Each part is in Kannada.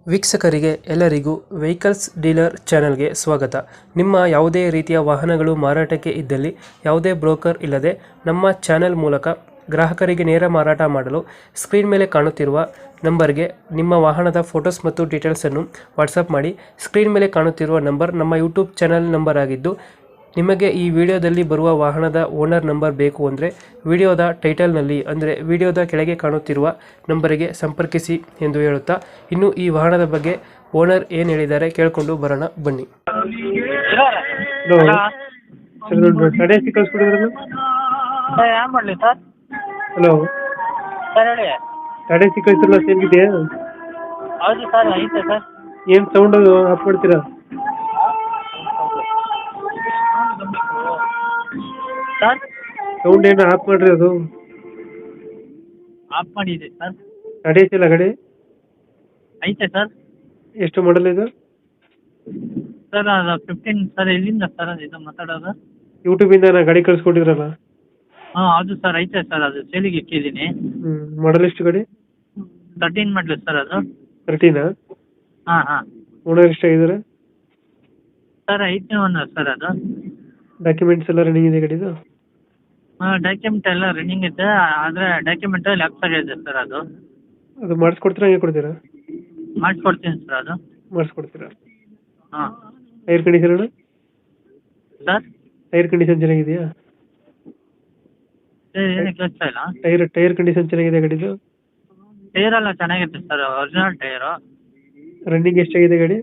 ವೀಕ್ಷಕರಿಗೆ ಎಲ್ಲರಿಗೂ ವೆಹಿಕಲ್ಸ್ ಡೀಲರ್ ಚಾನೆಲ್ಗೆ ಸ್ವಾಗತ. ನಿಮ್ಮ ಯಾವುದೇ ರೀತಿಯ ವಾಹನಗಳು ಮಾರಾಟಕ್ಕೆ ಇದ್ದಲ್ಲಿ ಯಾವುದೇ ಬ್ರೋಕರ್ ಇಲ್ಲದೆ ನಮ್ಮ ಚಾನೆಲ್ ಮೂಲಕ ಗ್ರಾಹಕರಿಗೆ ನೇರ ಮಾರಾಟ ಮಾಡಲು ಸ್ಕ್ರೀನ್ ಮೇಲೆ ಕಾಣುತ್ತಿರುವ ನಂಬರ್ಗೆ ನಿಮ್ಮ ವಾಹನದ ಫೋಟೋಸ್ ಮತ್ತು ಡೀಟೇಲ್ಸನ್ನು ವಾಟ್ಸಪ್ ಮಾಡಿ. ಸ್ಕ್ರೀನ್ ಮೇಲೆ ಕಾಣುತ್ತಿರುವ ನಂಬರ್ ನಮ್ಮ ಯೂಟ್ಯೂಬ್ ಚಾನೆಲ್ ನಂಬರ್ ಆಗಿದ್ದು, ನಿಮಗೆ ಈ ವಿಡಿಯೋದಲ್ಲಿ ಬರುವ ವಾಹನದ ಓನರ್ ನಂಬರ್ ಬೇಕು ಅಂದರೆ ವಿಡಿಯೋದ ಟೈಟಲ್ನಲ್ಲಿ ಅಂದರೆ ವಿಡಿಯೋದ ಕೆಳಗೆ ಕಾಣುತ್ತಿರುವ ನಂಬರಿಗೆ ಸಂಪರ್ಕಿಸಿ ಎಂದು ಹೇಳುತ್ತಾ, ಇನ್ನು ಈ ವಾಹನದ ಬಗ್ಗೆ ಓನರ್ ಏನು ಹೇಳಿದ್ದಾರೆ ಕೇಳಿಕೊಂಡು ಬರೋಣ ಬನ್ನಿ. ಹಲೋ ಸರ್, ಟಾಟಾ ಸಿ ಕಳಿಸ್ಬಿಟ್ಟಿದ್ರಲ್ಲ? ಸರ್ ಏನು ಮಾಡಲಿ ಸರ್? ಹಲೋ, ಸರ್ ಹೇಳಿ. ಟಾಟಾ ಸಿ ಕಳಿಸಿರಲ್ಲ, ಸೇಲ್ಗಿದೆಯಾ? ಹೌದು ಸರ್, ಐತೆ ಸರ್. ಏನು ಸೌಂಡ್ ಆಫ್ ಮಾಡ್ತೀರಾ? ಸರ್ ಸೌಂಡ್ ಏನು ಆಫ್ ಮಾಡ್ರಿ. ಅದು ಆಫ್ ಮಾಡಿದೆ ಸರ್. ಟಾಟಾ ಸಿ ಅಲ್ಲ ಗಾಡಿ? ಐತೆ ಸರ್. ಎಷ್ಟು ಮಾಡಲ್ ಇದು? ಸರ್ ಅದು 15 ಸರ್. ಎಲ್ಲಿಂದ ಸರ್ ಅದು ಇದು ಮಾತಾಡೋದು? ಯೂಟ್ಯೂಬಿಂದ ನಾ ಗಾಡಿ ಕಳಿಸ್ಕೊಟ್ಟಿದ್ರಲ್ಲ? ಹಾಂ ಹೌದು ಸರ್, ಐತೆ ಸರ್. ಅದು ಸೇಲಿಗೆ ಇಟ್ಟಿದ್ದೀನಿ. ಮಾಡಲ್ ಎಷ್ಟು ಗಾಡಿ? 13 ಮಾಡಲಿ ಸರ್ ಅದು. 13? ಹಾಂ ಹಾಂ. ಓನರ್ ಎಷ್ಟಾಗಿದ್ದಾರೆ? ಸರ್ 8ನೇ ಓನರ್ ಸರ್ ಅದು. ಡಾಕ್ಯುಮೆಂಟ್ಸ್ ಎಲ್ಲ ರನ್ನಿಂಗ್ ಇದೆ ಗಾಡಿದು? ಹಾಂ ಡಾಕ್ಯುಮೆಂಟ್ ಎಲ್ಲ ರನ್ನಿಂಗ್ ಇದೆ, ಆದರೆ ಡಾಕ್ಯುಮೆಂಟ್ ಲ್ಯಾಪ್ಸ್ ಆಗಿದೆ ಸರ್ ಅದು. ಅದು ಮಾಡಿಸ್ಕೊಡ್ತೀರಾ, ಹಂಗೆ ಕೊಡ್ತೀರಾ? ಮಾಡಿಸ್ಕೊಡ್ತೀನಿ ಸರ್ ಅದು. ಮಾಡಿಸ್ಕೊಡ್ತೀರಾ? ಹಾಂ ಟೈರ್ ಕಂಡೀಷನ್ ಅಣ್ಣ? ಸರ್ ಟೈರ್ ಕಂಡೀಷನ್ ಚೆನ್ನಾಗಿದೆಯಾ? ಏನು ಕೆಲಸ ಇಲ್ಲ. ಟೈರ್ ಕಂಡೀಷನ್ ಚೆನ್ನಾಗಿದೆ ಗಾಡಿದು? ಟೈರ್ ಎಲ್ಲ ಚೆನ್ನಾಗಿದೆ ಸರ್, ಒರಿಜಿನಲ್ ಟೈರು. ರನ್ನಿಂಗ್ ಎಷ್ಟಾಗಿದೆ ಗಾಡಿ?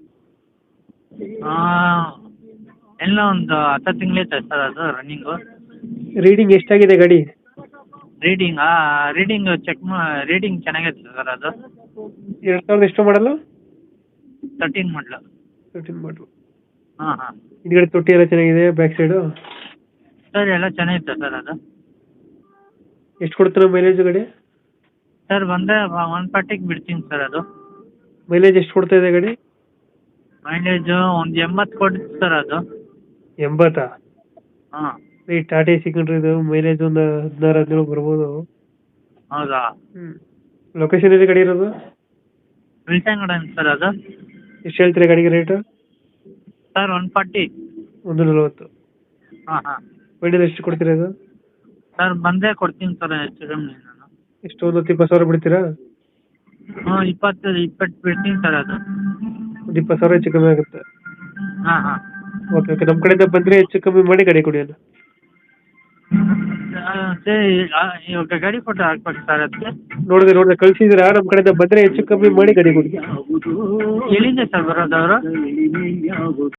ಎಲ್ಲ ಒಂದು 10 ತಿಂಗಳೈತೆ ಸರ್ ಅದು ರನ್ನಿಂಗು. ರೀಡಿಂಗ್ ಎಷ್ಟಾಗಿದೆ ಗಾಡಿ? ರೀಡಿಂಗ್ ರೀಡಿಂಗ್ ಚೆನ್ನಾಗೈತೆ ಸರ್ ಅದು. 2000 ಎಷ್ಟು ಮಾಡಲ್ಲ? 13 ಮಾಡಲು. 13 ಮಾಡಲು. ಹಾಂ ಹಾಂ. ಹಿಂದ್ಗಡೆ ತೊಟ್ಟಿ ಎಲ್ಲ ಚೆನ್ನಾಗಿದೆ, ಬ್ಯಾಕ್ ಸೈಡು? ಸರ್ ಎಲ್ಲ ಚೆನ್ನಾಗಿತ್ತು ಸರ್ ಅದು. ಎಷ್ಟು ಕೊಡ್ತೀರಾ ಮೈಲೇಜ್ ಗಾಡಿ? ಸರ್ ಬಂದರೆ 140ಗೆ ಬಿಡ್ತೀನಿ ಸರ್ ಅದು. ಮೈಲೇಜ್ ಎಷ್ಟು ಕೊಡ್ತಾ ಇದೆ ಗಾಡಿ? ಮೈಲೇಜು ಒಂದು 80 ಕೊಡುತ್ತೆ ಸರ್ ಅದು. 80? ಹಾಂ. ಈ ಟಾಟಾ ಸಿಕ್ಕೊಂಡ್ರೆ ಇದು ಮೈಲೇಜ್ ಒಂದು 16-17 ಬರ್ಬೋದು. ಹೌದಾ? ಲೊಕೇಶನ್ ಇದೆ ಗಾಡಿ ಇರೋದು? ವಿಲ್ಸಂಗಡ ಸರ್ ಅದು. ಎಷ್ಟು ಹೇಳ್ತೀರಾ ಗಾಡಿಗೆ ರೇಟು? ಸರ್ 140. 140? ಹಾಂ ಹಾಂ. ಫೈನಲ್ ಎಷ್ಟು ಕೊಡ್ತೀರಾ ಇದು? ಸರ್ ಬಂದೇ ಕೊಡ್ತೀನಿ ಸರ್, ಹೆಚ್ಚು ಕಮ್ಮಿ ನಾನು. ಎಷ್ಟು, ಒಂದು 20,000 ಬಿಡ್ತೀರಾ? ಹ್ಞೂ 20 ಬಿಡ್ತೀನಿ ಸರ್ ಅದು. ಒಂದು 20,000 ಹೆಚ್ಚು ಕಮ್ಮಿ ಆಗುತ್ತೆ? ಹಾಂ ಹಾಂ. ಓಕೆ ಓಕೆ, ನಮ್ಮ ಕಡೆಯಿಂದ ಬಂದರೆ ಹೆಚ್ಚು ಕಮ್ಮಿ ಮಾಡಿ ಗಾಡಿ ಕೊಡಿ ಅಣ್ಣ. ಸರಿ, ಇವಾಗ ಗಾಡಿ ಫೋಟೋ ಹಾಕ್ಬೇಕು ಸರ್ ಅದಕ್ಕೆ. ನೋಡಿದೆ ಕಳಿಸಿದ್ದೀರಾ? ನಮ್ಮ ಕಡೆಯಿಂದ ಬಂದರೆ ಹೆಚ್ಚು ಕಮ್ಮಿ ಮಾಡಿ ಗಾಡಿ ಕೊಡಿ. ಎಲ್ಲಿಂದ ಸರ್ ಬರೋದು ಅವರು?